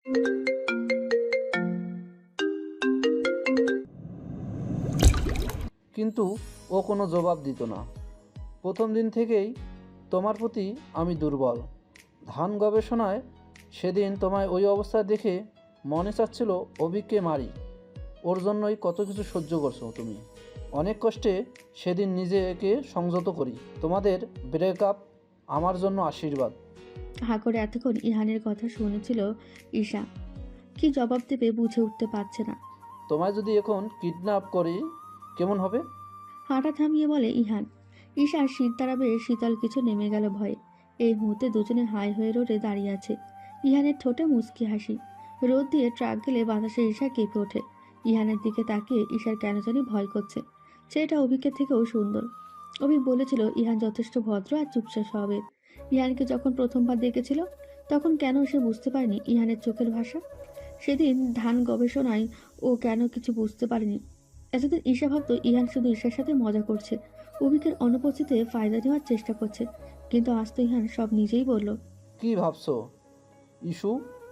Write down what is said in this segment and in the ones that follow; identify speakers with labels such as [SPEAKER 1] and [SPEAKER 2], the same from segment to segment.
[SPEAKER 1] কিন্তু ও কোনো জবাব দিত না। প্রথম দিন থেকেই তোমার প্রতি আমি দুর্বল। ধান গবেষণায় সেদিন তোমায় ওই অবস্থায় দেখে মনে চাচ্ছিল অভিককে মারি। ওর জন্যই কত কিছু সহ্য করছো তুমি। অনেক কষ্টে সেদিন নিজেকে সংযত করি। তোমাদের ব্রেকআপ আমার জন্য আশীর্বাদ।
[SPEAKER 2] হা করে এতক্ষণ ইহানের কথা শুনেছিল ঈশা। কি জবাব দেবে বুঝে উঠতে পারছে না।
[SPEAKER 1] তোমায় যদি এখন কিডন্যাপ করি কেমন হবে?
[SPEAKER 2] হাঁটা থামিয়ে বলে ইহান। ঈশার শীত তাড়াবে শীতল কিছু নেমে গেল ভয়ে। এই মুহূর্তে দুজনে হাই হয়ে রোডে দাঁড়িয়ে আছে। ইহানের ঠোঁটে মুচকি হাসি। রোদ দিয়ে ট্রাক গেলে বাতাসে ঈশা কেঁপে ওঠে। ইহানের দিকে তাকিয়ে ঈশার কেন জানি ভয় করছে। সেটা অভিকের থেকেও সুন্দর। অভি বলেছিল ইহান যথেষ্ট ভদ্র আর চুপচাপ স্বভাবের। ইহানকে যখন প্রথমবার দেখেছিল তখন কেন সে বুঝতে পারেনি ইহানের চোখের ভাষা। সেদিন ধান গবেষণায় ও কেন কিছু বুঝতে পারেনি। এতদিন ঈশা ভাবত ইহান শুধু ঈশার সাথে মজা করছে, অভিকের অনুপস্থিতিতে ফায়দা নেওয়ার চেষ্টা করছে। কিন্তু আজ তো ইহান সব নিজেই বলল।
[SPEAKER 1] কি ভাবছো ইস্যু,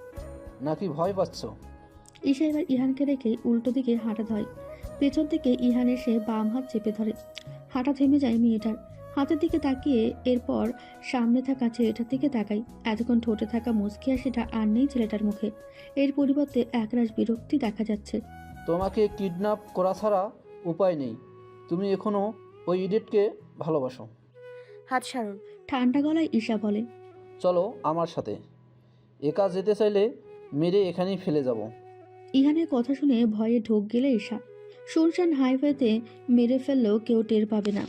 [SPEAKER 1] নাকি ভয় পাচ্ছ?
[SPEAKER 2] ঈশা এবার ইহানকে রেখে উল্টো দিকে হাঁটা ধরে। পেছন থেকে ইহান এসে বাম হাত চেপে ধরে। হাঁটা থেমে যায় মেয়েটার। হাতের দিকে তাকিয়ে এরপর সামনে থাকা ছেলেটার দিকে তাকাই। এতক্ষণ ঠোঁটে থাকা মুচকি হাসিটা আর নেই ছেলেটার মুখে। এর পরিবর্তে একরাশ বিরক্তি দেখা যাচ্ছে।
[SPEAKER 1] তোমাকে কিডন্যাপ করা ছাড়া উপায় নেই। তুমি এখনও ওই ইডিয়েটকে ভালোবাসো।
[SPEAKER 3] হাত ছাড়ুন।
[SPEAKER 2] ঠান্ডা গলায় ঈশা বলে।
[SPEAKER 1] চলো আমার সাথে। একা যেতে চাইলে মেরে এখানেই ফেলে যাব।
[SPEAKER 2] ইহানের কথা শুনে ভয়ে ঢোক গেলে ঈশা। শুনশান হাইওয়েতে মেরে ফেললেও কেউ টের পাবে না।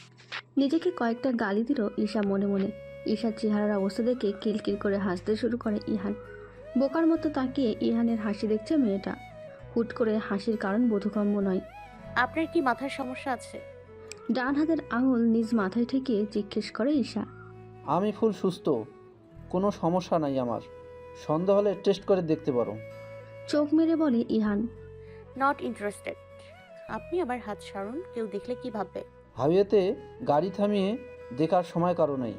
[SPEAKER 2] নিজেকে কয়েকটা গালি দিল ঈশা মনে মনে। ঈশার চেহারার অবস্থা দেখে কিলকিল করে হাসতে শুরু করে ইহান। বোকার মতো তাকিয়ে ইহানের হাসি দেখছে মেয়েটা। হুট করে হাসির কারণ বোধগম্য নয়।
[SPEAKER 3] আপনার কি মাথার সমস্যা আছে?
[SPEAKER 2] ডান হাতের আঙুল নিজ মাথায় ঠেকিয়ে জিজ্ঞেস করে ঈশা।
[SPEAKER 1] আমি ফুল সুস্থ, কোনো সমস্যা নাই আমার। সন্দেহ হলে টেস্ট করে দেখতে পারো।
[SPEAKER 2] চোখ মেরে বলে ইহান।
[SPEAKER 3] Not interested. আপনি আবার হাত ছাড়ুন, কেউ দেখলে কি ভাববে?
[SPEAKER 1] হাইওয়েতে গাড়ি থামিয়ে দেখার সময় কারো নেই।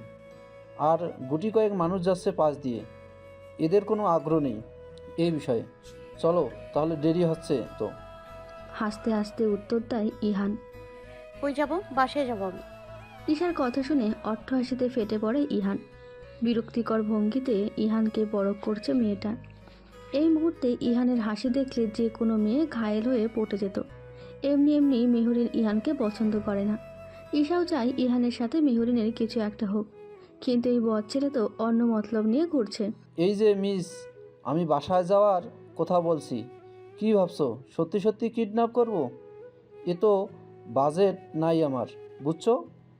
[SPEAKER 1] আর গুটি কয়েক মানুষ যাচ্ছে পাশ দিয়ে, এদের কোনো আগ্রহ নেই এই বিষয়ে। চলো তাহলে, দেরি হচ্ছে তো।
[SPEAKER 2] হাসতে হাসতে উত্তর দেয় ইহান।
[SPEAKER 3] কই যাব? বাসায় যাব আমি।
[SPEAKER 2] ঈশার কথা শুনে অট্টহাসিতে ফেটে পড়ে ইহান। বিরক্তিকর ভঙ্গিতে ইহানকে পরখ করছে মেয়েটা। এই মুহূর্তে ইহানের হাসি দেখলে যে কোনো মেয়ে ঘায়েল হয়ে পড়ে যেত। এমনি এমনি মেহরিন ইহানকে পছন্দ করে না। ঈশাও চায় ইহানের সাথে মেহরিনের কিছু একটা হোক, কিন্তু এই বদ ছেলে তো অন্য মতলব নিয়ে ঘুরছে।
[SPEAKER 1] এই যে মিস, আমি বাসায় যাওয়ার কথা বলছি। কি ভাবছো সত্যি সত্যি কিডন্যাপ করব? এ তো বাজেট নাই আমার, বুঝছো?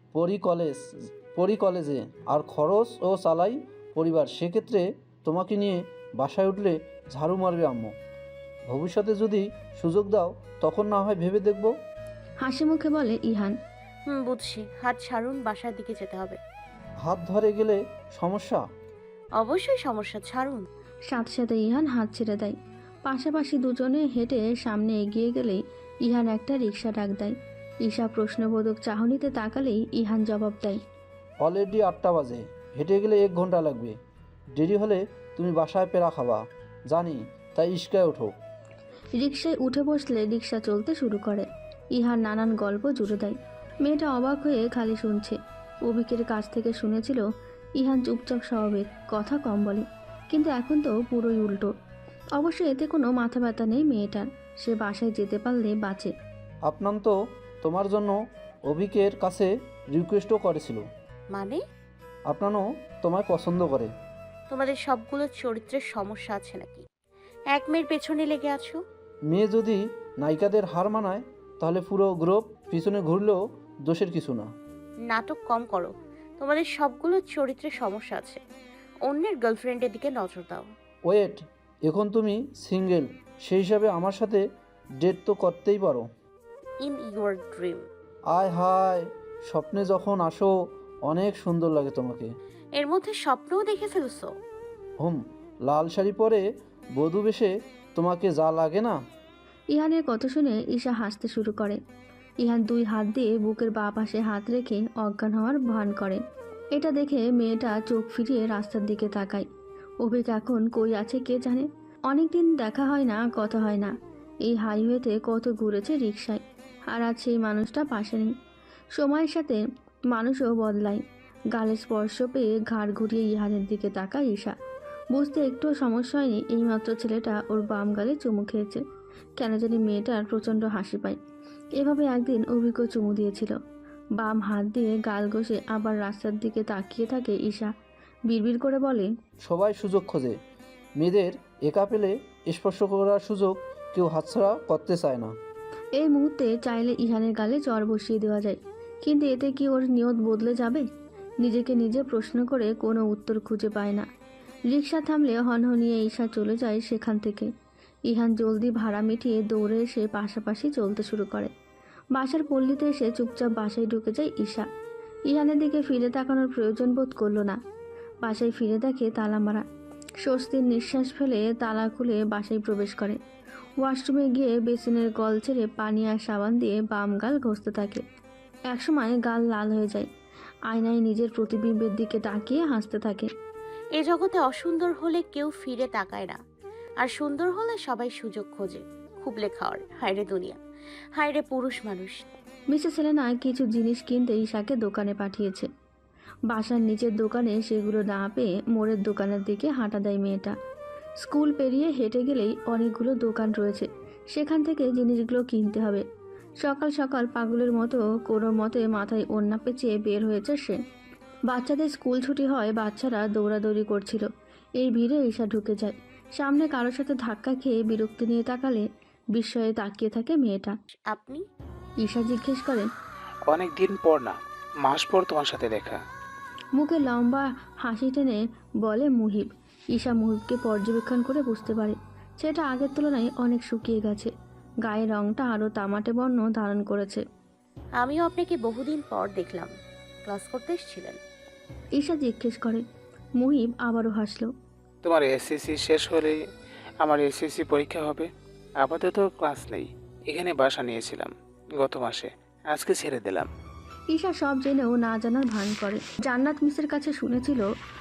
[SPEAKER 1] পড়ি কলেজে, আর খরচ ও চালাই পরিবার। সেক্ষেত্রে তোমাকে নিয়ে বাসায় উঠলে ঝাড়ু মারবে আম্মু। ভবিষ্যতে যদি সুযোগ দাও তখন না হয় ভেবে দেখব।
[SPEAKER 2] হাসি মুখে বলে ইহান।
[SPEAKER 3] বুঝছি। হাত ছাড়ুন, বাসার দিকে যেতে হবে।
[SPEAKER 1] হাত ধরে গেলে সমস্যা?
[SPEAKER 3] অবশ্যই সমস্যা, ছাড়ুন।
[SPEAKER 2] সাথে সাথে ইহান হাত ছেড়ে দেয়। পাশাপাশি দুজনে হেঁটে সামনে এগিয়ে গেলেই ইহান একটা রিক্সা ডাক দেয়। ঈশা প্রশ্নবোধক চাহনিতে তাকালেই ইহান জবাব দেয়।
[SPEAKER 1] অলরেডি 8টা বাজে, হেঁটে গেলে 1 ঘন্টা লাগবে। দেরি হলে তুমি বাসায় পেরা খাবা জানি, তাই ইস্কায় ওঠো।
[SPEAKER 2] রিক্সায় উঠে বসলে রিক্সা চলতে শুরু করে। ইহান নানান গল্প জুড়ে দেয়। মেয়েটা অবাক হয়ে খালি শুনছে। অভিকের কাছ থেকে শুনেছিল ইহান চুপচাপ স্বভাবের, কথা কম বলে, কিন্তু এখন তো পুরোই উল্টো। অবশ্য এতে কোনো মাথা ব্যথা নেই মেয়েটার। সে বাসায় যেতে পারলে বাঁচে।
[SPEAKER 1] আপনার তো তোমার জন্য অভিকের কাছে রিকোয়েস্টও করেছিল।
[SPEAKER 3] মানে?
[SPEAKER 1] আপনারও তোমায় পছন্দ করে।
[SPEAKER 3] তোমাদের সবগুলো চরিত্রের সমস্যা আছে নাকি? এক মেয়ের পেছনে লেগে আছো।
[SPEAKER 1] মেয়ে যদি নায়িকাদের হার মানায় তাহলে পুরো গ্রুপ পিছনে ঘুরলেও দোষের কিছু না।
[SPEAKER 3] নাটক কম করো। তোমাদের সবগুলো চরিত্রের সমস্যা আছে। অন্যের গার্লফ্রেন্ডের দিকে নজর দাও।
[SPEAKER 1] ওয়েট, এখন তুমি সিঙ্গেল, সেই হিসাবে আমার সাথে ডেট তো করতেই পারো।
[SPEAKER 3] In your dream.
[SPEAKER 1] আয় হায়, স্বপ্নে যখন আসো অনেক সুন্দর লাগে তোমাকে।
[SPEAKER 3] এর মধ্যে স্বপ্নও দেখে ফেলছো?
[SPEAKER 1] লাল শাড়ি পরে বধূ বেশে তোমাকে যা লাগে না।
[SPEAKER 2] ইহানের কথা শুনে ঈশা হাসতে শুরু করে। ইহান 2 হাত দিয়ে বুকের বাঁ পাশে হাত রেখে অজ্ঞান হওয়ার ভান করে। এটা দেখে মেয়েটা চোখ ফিরিয়ে রাস্তার দিকে তাকায়। অভিক এখন কই আছে কে জানে। অনেক দিন দেখা হয় না, কথা হয় না। এই হাইওয়েতে কত ঘুরেছে রিকশায়, আর আজ সেই মানুষটা পাশে নেই। সময়ের সাথে মানুষও বদলায়। গালে স্পর্শ পেয়ে ঘাড় ঘুরিয়ে ইহানের দিকে তাকায় ঈশা। বুঝতে একটুও সমস্যা হয়নি, এইমাত্র ছেলেটা ওর বাম গালে চুমু খেয়েছে। কেন জানি মেয়েটার প্রচণ্ড হাসি পায়। এভাবে একদিন অভিজ্ঞ চুমু দিয়েছিল। বাম হাত দিয়ে গাল ঘষে আবার রাস্তার দিকে তাকিয়ে থাকে ঈশা। বিড়বিড় করে বলে,
[SPEAKER 1] সবাই সুযোগ খোঁজে, মেয়েদের একা পেলে স্পর্শ করার সুযোগ কেউ হাতছাড়া করতে চায় না।
[SPEAKER 2] এই মুহূর্তে চাইলে ইহানের গালে জ্বর বসিয়ে দেওয়া যায়, কিন্তু এতে কি ওর নিয়ত বদলে যাবে? নিজেকে নিজে প্রশ্ন করে কোনো উত্তর খুঁজে পায় না। রিকশা থামলে হনহনিয়ে ঈশা চলে যায় সেখান থেকে। ইহান জলদি ভাড়া মিটিয়ে দৌড়ে এসে পাশাপাশি চলতে শুরু করে। বাসার পল্লীতে এসে চুপচাপ বাসায় ঢুকে যায় ঈশা। ইহানের দিকে ফিরে তাকানোর প্রয়োজন বোধ করল না। বাসায় ফিরে দেখে তালা মারা। স্বস্তির নিঃশ্বাস ফেলে তালা খুলে বাসায় প্রবেশ করে। ওয়াশরুমে গিয়ে বেসিনের কল ছেড়ে পানি আর সাবান দিয়ে বাম গাল ঘষতে থাকে। একসময় গাল লাল হয়ে যায়। আয়নায় নিজের প্রতিবিম্বের দিকে তাকিয়ে হাসতে থাকে।
[SPEAKER 3] এ জগতে অসুন্দর হলে কেউ ফিরে তাকায় না, আর সুন্দর হলে সবাই সুযোগ খোঁজে। খুব লেখাওয়ার, হায়রে দুনিয়া, হায়রে পুরুষ মানুষ।
[SPEAKER 2] মিসেস সেলেনা কিছু জিনিস কিনতে ঈশাকে দোকানে পাঠিয়েছে। বাসার নিচের দোকানে সেগুলো না পেয়ে মোড়ের দোকানের দিকে হাঁটা দেয় মেয়েটা। স্কুল পেরিয়ে হেঁটে গেলেই অনেকগুলো দোকান রয়েছে, সেখান থেকে জিনিসগুলো কিনতে হবে। সকাল সকাল পাগলের মতো কোনো মতে মাথায় ওড়না পেঁচিয়ে বের হয়েছে সে। বাচ্চাদের স্কুল ছুটি হয়, বাচ্চারা দৌড়াদৌড়ি করছিল। এই ভিড়ে ঈশা ঢুকে যায়। সামনে কারোর সাথে ধাক্কা খেয়ে বিরক্তি নিয়ে তাকালে বিস্ময়ে তাকিয়ে থাকে মেয়েটা।
[SPEAKER 3] আপনি?
[SPEAKER 2] ঈশা জিজ্ঞেস করে।
[SPEAKER 4] অনেক দিন পর না, মাস পর তোমার সাথে দেখা।
[SPEAKER 2] মুখে লম্বা হাসি টেনে বলে মুহিব। ঈশা মুহিবকে পর্যবেক্ষণ করে বুঝতে পারে সেটা আগের তুলনায় অনেক শুকিয়ে গেছে। গায়ের রংটা আরও তামাটে বর্ণ ধারণ করেছে।
[SPEAKER 3] আমিও আপনাকে বহুদিন পর দেখলাম। ক্লাস করতে এসেছিলেন?
[SPEAKER 2] ঈশা জিজ্ঞেস করে। মুহিব আবারও হাসল।
[SPEAKER 4] তোমার এসএসসি শেষ হলে আমার এসএসসি পরীক্ষা হবে। আপাতত ক্লাস নেই, এখানে বাসা নিয়েছিলাম গত মাসে, আজকে ছেড়ে দিলাম।
[SPEAKER 2] ঈশা সব জেনেও না জানার ভান করে। জান্নাত মিসের কাছে শুনেছিল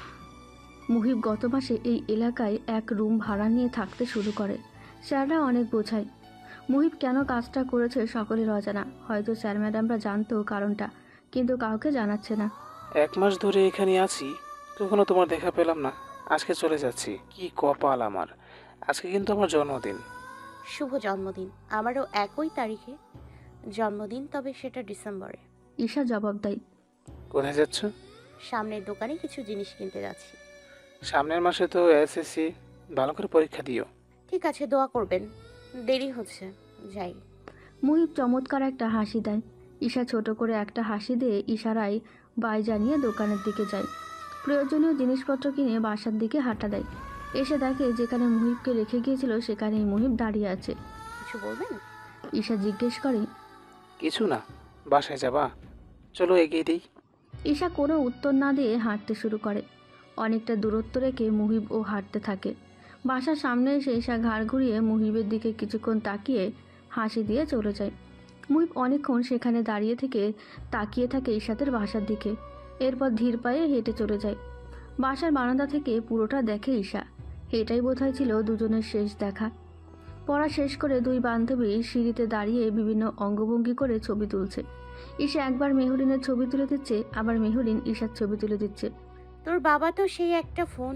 [SPEAKER 2] মুহিব গত মাসে এই এলাকায় এক রুম ভাড়া নিয়ে থাকতে শুরু করে। স্যাররা অনেক বোঝায়। মুহিব কেন কাজটা করেছে সকলের অজানা। হয়তো স্যার ম্যাডামরা জানতো কারণটা, কিন্তু কাউকে জানাচ্ছে না।
[SPEAKER 4] 1 মাস ধরে এখানে আছি, কখনো তোমার দেখা পেলাম না। আজকে চলে যাচ্ছি, কি কপাল আমার। আজকে কিন্তু আমার জন্মদিন।
[SPEAKER 3] শুভ জন্মদিন। আমারও একই তারিখে জন্মদিন, তবে সেটা ডিসেম্বরে।
[SPEAKER 2] ঈশা জবাব দেয়।
[SPEAKER 4] কোথায় যাচ্ছ?
[SPEAKER 3] সামনের দোকানে কিছু জিনিস কিনতে যাচ্ছি।
[SPEAKER 4] সামনের মাসে তো এসএসসি, ভালো করে পরীক্ষা দিও।
[SPEAKER 3] ঠিক আছে, দোয়া করবেন। দেরি হচ্ছে, যাই।
[SPEAKER 2] মুহিব চমৎকার একটা হাসি দেয়। ঈশা ছোট করে একটা হাসি দিয়ে ইশারায় বাই জানিয়ে দোকানের দিকে যায়। প্রয়োজনীয় জিনিসপত্র কিনে বাসার দিকে হাঁটা দেয়। এসে দেখে যেখানে মুহিবকে রেখে গিয়েছিল সেখানেই মুহিব দাঁড়িয়ে আছে।
[SPEAKER 3] কিছু বলবেন?
[SPEAKER 2] ঈশা জিজ্ঞেস করে।
[SPEAKER 4] কিছু না, বাসায় যাবা? চলো এগিয়ে দিই।
[SPEAKER 2] ঈশা কোনো উত্তর না দিয়ে হাঁটতে শুরু করে। অনেকটা দূরত্ব রেখে মুহিব ও হাঁটতে থাকে। বাসার সামনে এসে ঈশা ঘাড় ঘুরিয়ে মুহিবের দিকে কিছুক্ষণ তাকিয়ে হাসি দিয়ে চলে যায়। মুহিব অনেকক্ষণ সেখানে দাঁড়িয়ে থেকে তাকিয়ে থাকে ঈশাদের বাসার দিকে। এরপর ধীর পায়ে হেঁটে চলে যায়। বাসার বারান্দা থেকে পুরোটা দেখে ঈশা। এটাই বোধহয় ছিল দুজনের শেষ দেখা। পড়া শেষ করে দুই বান্ধবী সিঁড়িতে দাঁড়িয়ে বিভিন্ন অঙ্গভঙ্গি করে ছবি তুলছে। ঈশা একবার মেহরিনের ছবি তুলে দিচ্ছে, আবার মেহরিন ঈশার ছবি তুলে দিচ্ছে।
[SPEAKER 3] তোর বাবা তো সেই একটা ফোন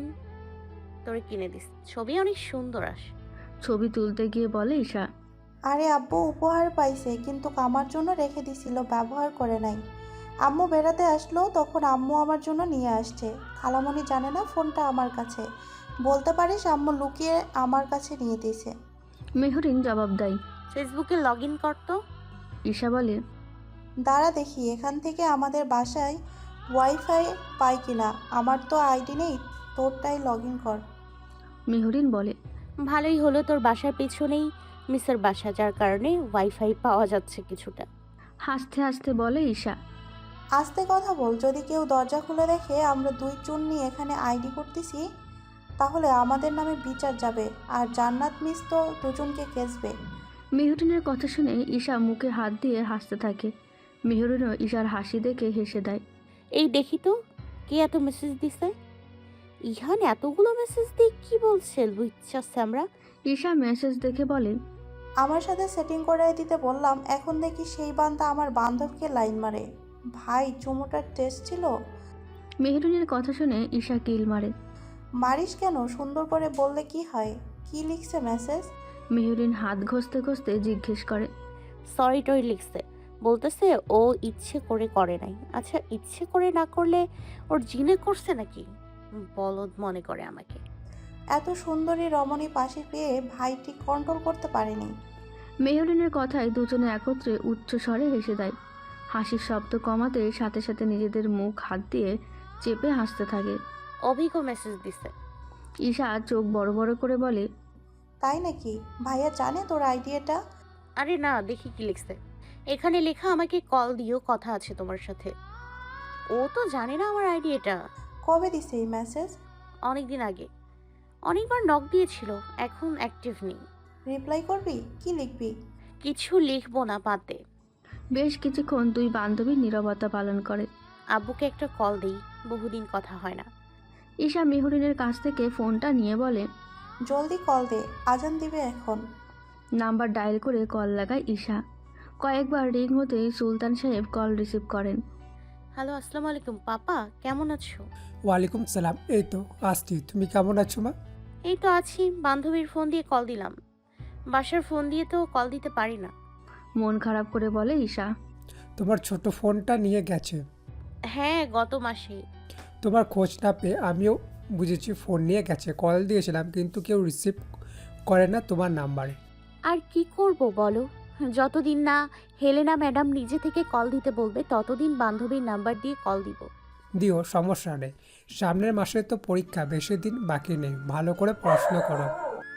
[SPEAKER 3] তোরে কিনে দিস, ছবি অনেক সুন্দর আসে।
[SPEAKER 2] ছবি তুলতে গিয়ে বলে ঈশা।
[SPEAKER 5] আরে আব্বু উপহার পাইছে, কিন্তু আমার জন্য রেখে দিছিল, ব্যবহার করে নাই। আম্মু বেড়াতে আসলো, তখন আম্মু আমার জন্য নিয়ে আসছে। খালামণি জানে না ফোনটা আমার কাছে। বলতে পারিস আম্মু লুকিয়ে আমার কাছে নিয়ে দিয়েছে।
[SPEAKER 2] মেহরিন জবাব দেয়।
[SPEAKER 3] ফেসবুকে লগ ইন করতো।
[SPEAKER 2] ঈশা বলে।
[SPEAKER 5] দাঁড়া দেখি এখান থেকে আমাদের বাসায় ওয়াইফাই পাই কিনা। আমার তো আইডি নেই, তোরটাই লগ ইন কর।
[SPEAKER 2] মেহরিন বলে।
[SPEAKER 3] ভালোই হলো, তোর বাসার পেছনেই মিসের বাসা, যার কারণে ওয়াইফাই পাওয়া যাচ্ছে কিছুটা।
[SPEAKER 2] হাসতে হাসতে বলে ঈশা।
[SPEAKER 5] আস্তে কথা বল, যদি কেউ দরজা খুলে দেখে আমরা দুই চুন্নি এখানে আইডি করতেছি, তাহলে আমাদের নামে বিচার যাবে, আর জান্নাত মিস তো দুজনকে কেসবে।
[SPEAKER 2] মেহরিনের কথা শুনে ঈশা মুখে হাত দিয়ে হাসতে থাকে। মেহরিনও ঈশার হাসি দেখে হেসে দেয়।
[SPEAKER 3] এই দেখি তো কে এত মেসেজ দিছে। ইহান এতগুলো মেসেজ দিয়ে কি বলছে লুচ্চা স্যামরা?
[SPEAKER 2] ঈশা মেসেজ দেখে বলে,
[SPEAKER 5] আমার সাথে সেটিং করে দিতে বললাম, এখন দেখি সেই বান্দা আমার বান্ধবকে লাইন মারে। ভাই চুমোটার টেস্ট ছিল।
[SPEAKER 2] মেহরুনের কথা শুনে ঈশা কিল মারে।
[SPEAKER 5] মারিস কেন? সুন্দর করে বললে কি হয়? কি লিখছে মেসেজ?
[SPEAKER 2] মেহরিন হাত ঘষতে ঘষতে জিজ্ঞেস করে।
[SPEAKER 3] সরি টরি লিখছে, বলতেছে ও ইচ্ছে করে করে নাই। আচ্ছা, ইচ্ছে করে না করলে ওর জিনে করছে নাকি? বলদ মনে করে আমাকে।
[SPEAKER 5] এত সুন্দরী রমণী পাশে পেয়ে ভাই ঠিক কন্ট্রোল করতে পারেনি।
[SPEAKER 2] মেহরিনের কথায় দুজনে একত্রে উচ্চ স্বরে হেসে দেয়। হাসির শব্দ কমাতে সাথে সাথে নিজেদের মুখ হাত দিয়ে চেপে হাসতে থাকে।
[SPEAKER 3] অভিজ্ঞ মেসেজ দিছে।
[SPEAKER 2] ঈশা চোখ বড় বড় করে বলে,
[SPEAKER 5] তাই নাকি? ভাইয়া জানে তোর আইডিয়াটা?
[SPEAKER 3] আরে না, দেখি কি লিখছে। এখানে লেখা, আমাকে কল দিও, কথা আছে তোমার সাথে। ও তো জানে না আমার আইডিয়াটা।
[SPEAKER 5] কবে দিছে এই মেসেজ?
[SPEAKER 3] অনেকদিন আগে অনেকবার নক দিয়েছিল, এখন অ্যাক্টিভ নেই।
[SPEAKER 5] রিপ্লাই করবি? কি লিখবি?
[SPEAKER 3] কিছু লিখবো না, বাদ দে।
[SPEAKER 2] বেশ কিছুক্ষণ দুই বান্ধবী নীরবতা পালন করে।
[SPEAKER 3] আব্বুকে একটা কল দেই, বহুদিন কথা হয় না।
[SPEAKER 2] ঈশা মেহরিনের কাছ থেকে ফোনটা নিয়ে বলে,
[SPEAKER 5] জলদি কল দে, আজান দিবে এখন।
[SPEAKER 2] নাম্বার ডায়াল করে কল লাগায় ঈশা। কয়েকবার রিং হতেই সুলতান সাহেব কল রিসিভ করেন।
[SPEAKER 3] হ্যালো, আসসালামু আলাইকুম পাপা, কেমন আছো?
[SPEAKER 6] ওয়ালাইকুম সালাম। এই তো আসছি, তুমি কেমন আছো মা?
[SPEAKER 3] এই তো আছি, বান্ধবীর ফোন দিয়ে কল দিলাম। বাসার ফোন দিয়ে তো কল দিতে পারি না।
[SPEAKER 2] মন খারাপ করে বলে ঈশা।
[SPEAKER 6] তোমার ছোট ফোনটা নিয়ে গেছে।
[SPEAKER 3] হ্যাঁ, গত মাসে।
[SPEAKER 6] তোমার খোঁজ না পেয়ে আমিও বুঝেছি ফোন নিয়ে গেছে। কল দিয়েছিলাম কিন্তু কেউ রিসিভ করে না তোমার নাম্বারে।
[SPEAKER 3] আর কি করব বলো, যতদিন না হেলেনা ম্যাডাম নিজে থেকে কল দিতে বলবে ততদিন বান্ধবীর নাম্বার দিয়ে কল দিব।
[SPEAKER 6] দিও, সমস্যা নেই। সামনের মাসে তো পরীক্ষা, বেশি দিন বাকি নেই। ভালো করে পড়াশোনা করো।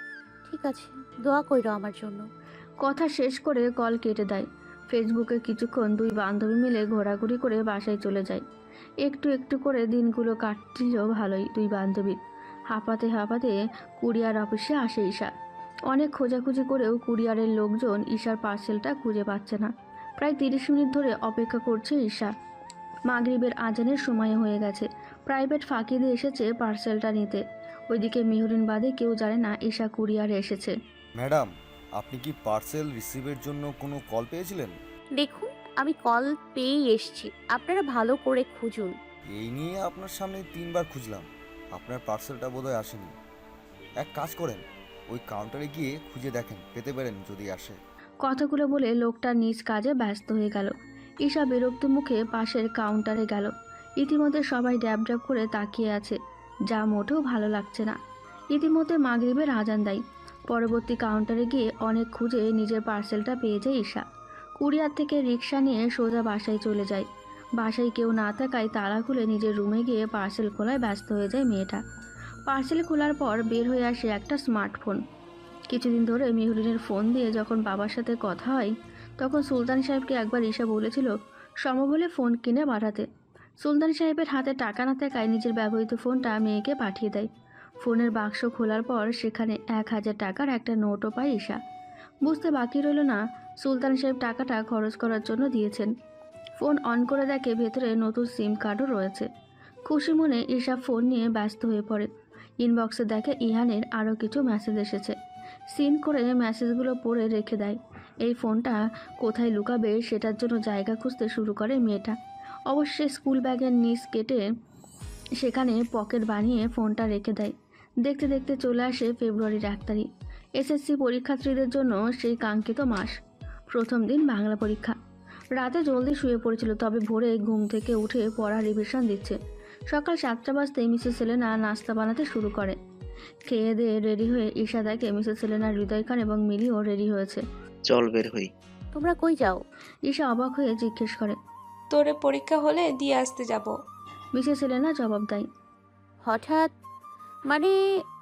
[SPEAKER 3] ঠিক আছে, দোয়া কইরো আমার জন্য।
[SPEAKER 2] কথা শেষ করে কল কেটে দেয়। ফেসবুকে কিছুক্ষণ দুই বান্ধবী মিলে ঘোরাঘুরি করে বাসায় চলে যায়। একটু একটু করে দিনগুলো কাটছিল ভালোই দুই বান্ধবীর। হাঁপাতে হাঁপাতে কুরিয়ার অফিসে আসে ঈশা। অনেক খোঁজাখুঁজি করেও কুরিয়ারের লোকজন ঈশার পার্সেলটা খুঁজে পাচ্ছে না। প্রায় 30 মিনিট ধরে অপেক্ষা করছে ঈশা। মাগরিবের আজানের সময় হয়ে গেছে। প্রাইভেট ফাঁকি দিয়ে এসেছে পার্সেলটা নিতে। ওইদিকে মেহরিন বাদে কেউ জানে না ঈশা কুরিয়ারে এসেছে।
[SPEAKER 7] ম্যাডাম, আপনি কি পার্সেল রিসিভের জন্য কোনো কল পেয়েছিলেন?
[SPEAKER 3] দেখুন, আমি কল পেয়েই এসছি, আপনারা ভালো করে খুঁজুন।
[SPEAKER 7] এই নিয়ে আপনার সামনে 3বার খুঁজলাম, আপনার পার্সেলটা বোধহয় আসেনি। এক কাজ করেন, ওই কাউন্টারে গিয়ে খুঁজে দেখেন, পেতে পারেন যদি আসে।
[SPEAKER 2] কথাগুলো বলে লোকটা নিজ কাজে ব্যস্ত হয়ে গেল। ঈশা বিরক্ত মুখে পাশের কাউন্টারে গেল। ইতিমধ্যে সবাই ড্যাব ড্যাব করে তাকিয়ে আছে, যা মোটেও ভালো লাগছে না। ইতিমধ্যে মাগরিবের আজান দেয়। পরবর্তী কাউন্টারে গিয়ে অনেক খুঁজে নিজের পার্সেলটা পেয়ে যায় ঈশা। কুরিয়ার থেকে রিক্সা নিয়ে সোজা বাসায় চলে যায়। বাসায় কেউ না থাকায় তালা খুলে নিজের রুমে গিয়ে পার্সেল খোলায় ব্যস্ত হয়ে যায় মেয়েটা। পার্সেল খোলার পর বের হয়ে আসে একটা স্মার্টফোন। কিছুদিন ধরে মেহরিনের ফোন দিয়ে যখন বাবার সাথে কথা হয় তখন সুলতান সাহেবকে একবার ঈশা বলেছিল সম্ভব হলে ফোন কিনে পাঠাতে। সুলতান সাহেবের হাতে টাকা না থাকায় নিজের ব্যবহৃত ফোনটা মেয়েকে পাঠিয়ে দেয়। ফোনের বাক্স খোলার পর সেখানে 1000 টাকার একটা নোটও পায় ঈশা। বুঝতে বাকি রইল না সুলতান সাহেব টাকাটা খরচ করার জন্য দিয়েছেন। ফোন অন করে দেখে ভেতরে নতুন সিম কার্ডও রয়েছে। খুশি মনে ঈশা ফোন নিয়ে ব্যস্ত হয়ে পড়ে। ইনবক্সে দেখে ইহানের আরও কিছু মেসেজ এসেছে। সিন করে মেসেজগুলো পড়ে রেখে দেয়। এই ফোনটা কোথায় লুকাবে সেটার জন্য জায়গা খুঁজতে শুরু করে মেয়েটা। অবশ্যই স্কুল ব্যাগের নিচ কেটে সেখানে পকেট বানিয়ে ফোনটা রেখে দেয়। দেখতে দেখতে চলে আসে ফেব্রুয়ারির 1 তারিখ। এসএসসি পরীক্ষার্থীদের জন্য সেই কাঙ্ক্ষিত মাস। প্রথম দিন বাংলা পরীক্ষা। রাতে জলদি শুয়ে পড়েছিল, তবে ভোরে ঘুম থেকে উঠে পড়া রিভিশন দিচ্ছে। সকাল 7টা বাজতেই মিসেস সেলেনা নাস্তা বানাতে শুরু করে। খেয়ে দিয়ে রেডি হয়ে ঈশা দেখে মিসেস সেলেনা, হৃদয় খান এবং মিলিও রেডি হয়েছে।
[SPEAKER 8] চল বের হই।
[SPEAKER 3] তোমরা কই যাও?
[SPEAKER 2] ঈশা অবাক হয়ে জিজ্ঞেস করে।
[SPEAKER 9] তোরে পরীক্ষা হলে দিয়ে আসতে যাব।
[SPEAKER 2] মিসেস সেলেনা জবাব দেয়।
[SPEAKER 3] হঠাৎ মানে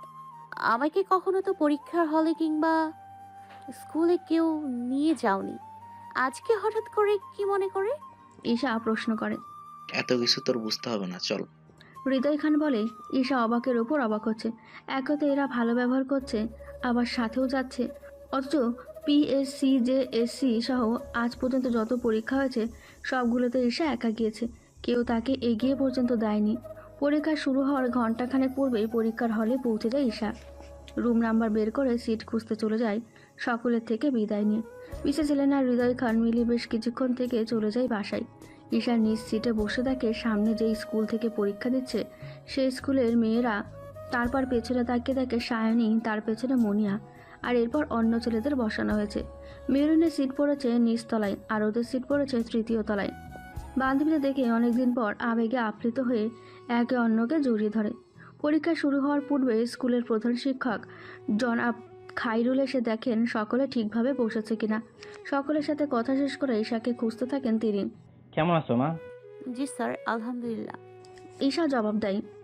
[SPEAKER 3] আমাকে কখনো তো পরীক্ষার হলে কিংবা স্কুলে কেউ নিয়ে যাওনি, আজকে হঠাৎ করে কি মনে করে?
[SPEAKER 2] ঈশা প্রশ্ন করে।
[SPEAKER 8] এত কিছু তোর বুঝতে হবে না, চল।
[SPEAKER 2] হৃদয় খান বলে। ঈশা অবাকের ওপর অবাক হচ্ছে। একে তো এরা ভালো ব্যবহার করছে, আবার সাথেও যাচ্ছে। অথচ পিএসসি, জেএসসি সহ আজ পর্যন্ত যত পরীক্ষা হয়েছে সবগুলোতে ঈশা একা গিয়েছে, কেউ তাকে এগিয়ে পর্যন্ত দেয়নি। পরীক্ষা শুরু হওয়ার ঘন্টাখানেক পূর্বেই পরীক্ষার হলে পৌঁছে যায় ঈশা। রুম নাম্বার বের করে সিট খুঁজতে চলে যায় সকলের থেকে বিদায় নিয়ে। মিসেস এলেনা হৃদয় খান মিলি বেশ কিছুক্ষণ থেকে চলে যায় বাসায়। ঈশা নিজ সিটে বসে থাকে। সামনে যেই স্কুল থেকে পরীক্ষা দিচ্ছে সেই স্কুলের মেয়েরা, তারপর পেছনে তাকিয়ে দেখে সায়নী, তার পেছনে মনিয়া, আর এরপর অন্য ছেলেদের বসানো হয়েছে। মেরুনের সিট পড়েছে নিচ তলায়, আর ওদের সিট পড়েছে তৃতীয় তলায়। বান্ধবীদের দেখে অনেকদিন পর আবেগে আপ্লুত হয়ে একে অন্যকে জড়িয়ে ধরে। পরীক্ষা শুরু হওয়ার পূর্বে স্কুলের প্রধান শিক্ষক জনাব খাইরুল এসে দেখেন সকলে ঠিকভাবে বসেছে কিনা। সকলের সাথে কথা শেষ করে ঈশাকে খুঁজতে থাকেন তিনি।
[SPEAKER 10] কেমন আছো মা?
[SPEAKER 3] জি স্যার, আলহামদুলিল্লাহ।
[SPEAKER 2] ঈশা জবাব দেয়,